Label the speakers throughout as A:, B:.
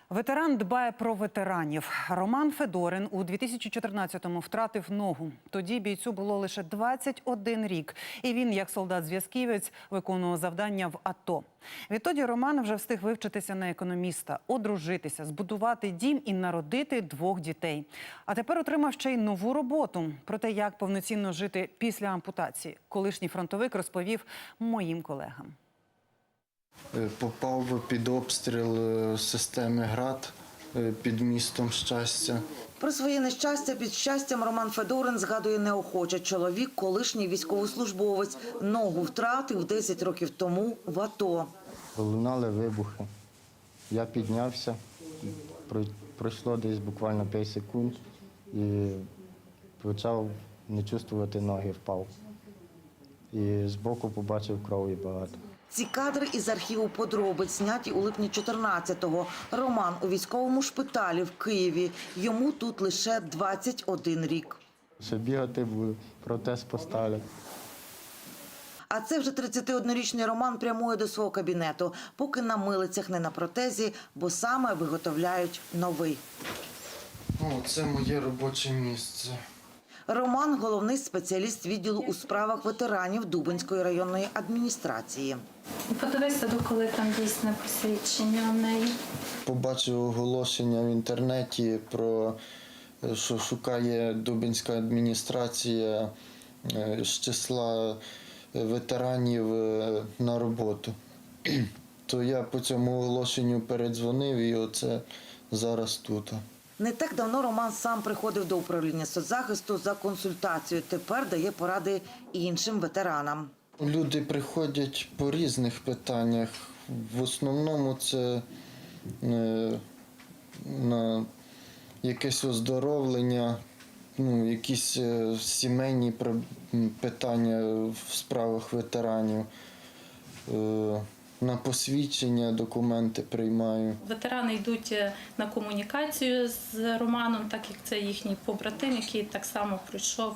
A: Ветеран дбає про ветеранів. Роман Федорин у 2014-му втратив ногу. Тоді бійцю було лише 21 рік. І він, як солдат-зв'язківець, виконував завдання в АТО. Відтоді Роман вже встиг вивчитися на економіста, одружитися, збудувати дім і народити 2 дітей. А тепер отримав ще й нову роботу. Про те, як повноцінно жити після ампутації, колишній фронтовик розповів моїм колегам.
B: Попав під обстріл системи «Град» під містом Щастя.
C: Про своє нещастя під Щастям Роман Федорин згадує неохоче. Чоловік – колишній військовослужбовець. Ногу втратив 10 років тому в АТО.
D: Лунали вибухи. Я піднявся, пройшло десь буквально 5 секунд і почав не чувствувати ноги, впав. І збоку побачив крові багато.
C: Ці кадри із архіву подробиць, зняті у липні 14-го. Роман у військовому шпиталі в Києві. Йому тут лише 21 рік.
D: Ще бігати буду, протез поставлять.
C: А це вже 31-річний Роман прямує до свого кабінету, поки на милицях, не на протезі, бо саме виготовляють новий.
B: Це моє робоче місце.
C: Роман – головний спеціаліст відділу у справах ветеранів Дубенської районної адміністрації.
E: Подивися, коли там дійсне посвідчення у неї.
B: Побачив оголошення в інтернеті про, що шукає Дубенська адміністрація з числа ветеранів на роботу. То я по цьому оголошенню передзвонив і оце зараз тут.
C: Не так давно Роман сам приходив до управління соцзахисту за консультацією. Тепер дає поради іншим ветеранам.
B: Люди приходять по різних питаннях. В основному це на якесь оздоровлення, якісь сімейні питання в справах ветеранів. На посвідчення документи приймаю.
E: Ветерани йдуть на комунікацію з Романом, так як це їхній побратим, який так само пройшов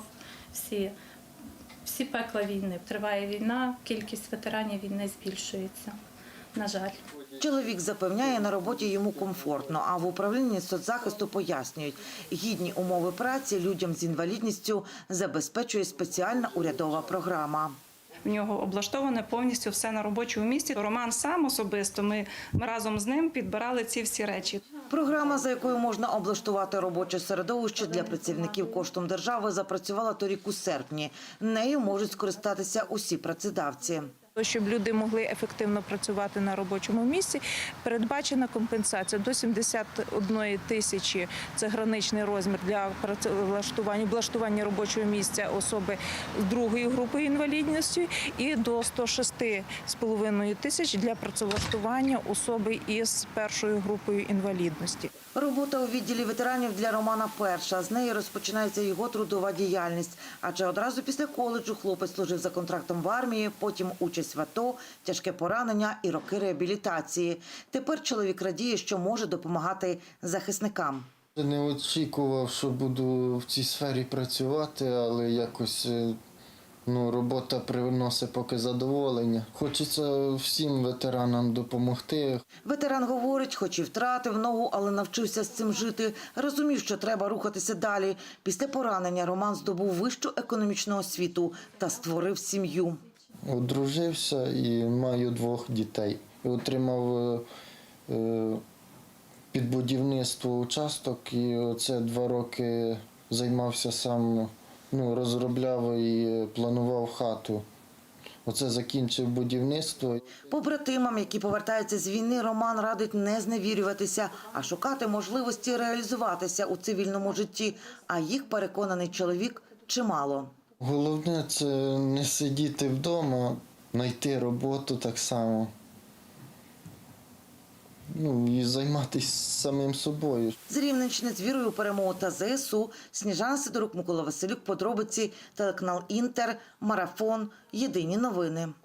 E: всі пекла війни. Триває війна, кількість ветеранів війни збільшується, на жаль.
C: Чоловік запевняє, на роботі йому комфортно, а в управлінні соцзахисту пояснюють, гідні умови праці людям з інвалідністю забезпечує спеціальна урядова програма.
F: В нього облаштоване повністю все на робочому місці. Роман сам особисто, ми разом з ним підбирали ці всі речі.
C: Програма, за якою можна облаштувати робоче середовище для працівників коштом держави, запрацювала торік у серпні. Нею можуть скористатися усі працедавці.
F: Щоб люди могли ефективно працювати на робочому місці, передбачена компенсація до 71 тисячі – це граничний розмір для влаштування робочого місця особи з 2-ї групи інвалідності і до 106,5 тисяч для працевлаштування особи із 1-ю групою інвалідності.
C: Робота у відділі ветеранів для Романа перша. З неї розпочинається його трудова діяльність. Адже одразу після коледжу хлопець служив за контрактом в армії, потім участь в АТО, тяжке поранення і роки реабілітації. Тепер чоловік радіє, що може допомагати захисникам.
B: Не очікував, що буду в цій сфері працювати, але якось робота приносить поки задоволення. Хочеться всім ветеранам допомогти.
C: Ветеран говорить, хоч і втратив ногу, але навчився з цим жити. Розумів, що треба рухатися далі. Після поранення Роман здобув вищу економічну освіту та створив сім'ю.
B: Одружився і маю 2 дітей. Отримав під будівництво участок і оце 2 роки займався сам, розробляв і планував хату. Оце закінчив будівництво.
C: Побратимам, які повертаються з війни, Роман радить не зневірюватися, а шукати можливості реалізуватися у цивільному житті. А їх, переконаний чоловік, чимало.
B: Головне – це не сидіти вдома, знайти роботу так само. І займатися самим собою.
C: З Рівненщини з вірою у перемогу та ЗСУ. Сніжана Сидорук, Микола Василюк, подробиці, телеканал Інтер, Марафон, Єдині новини.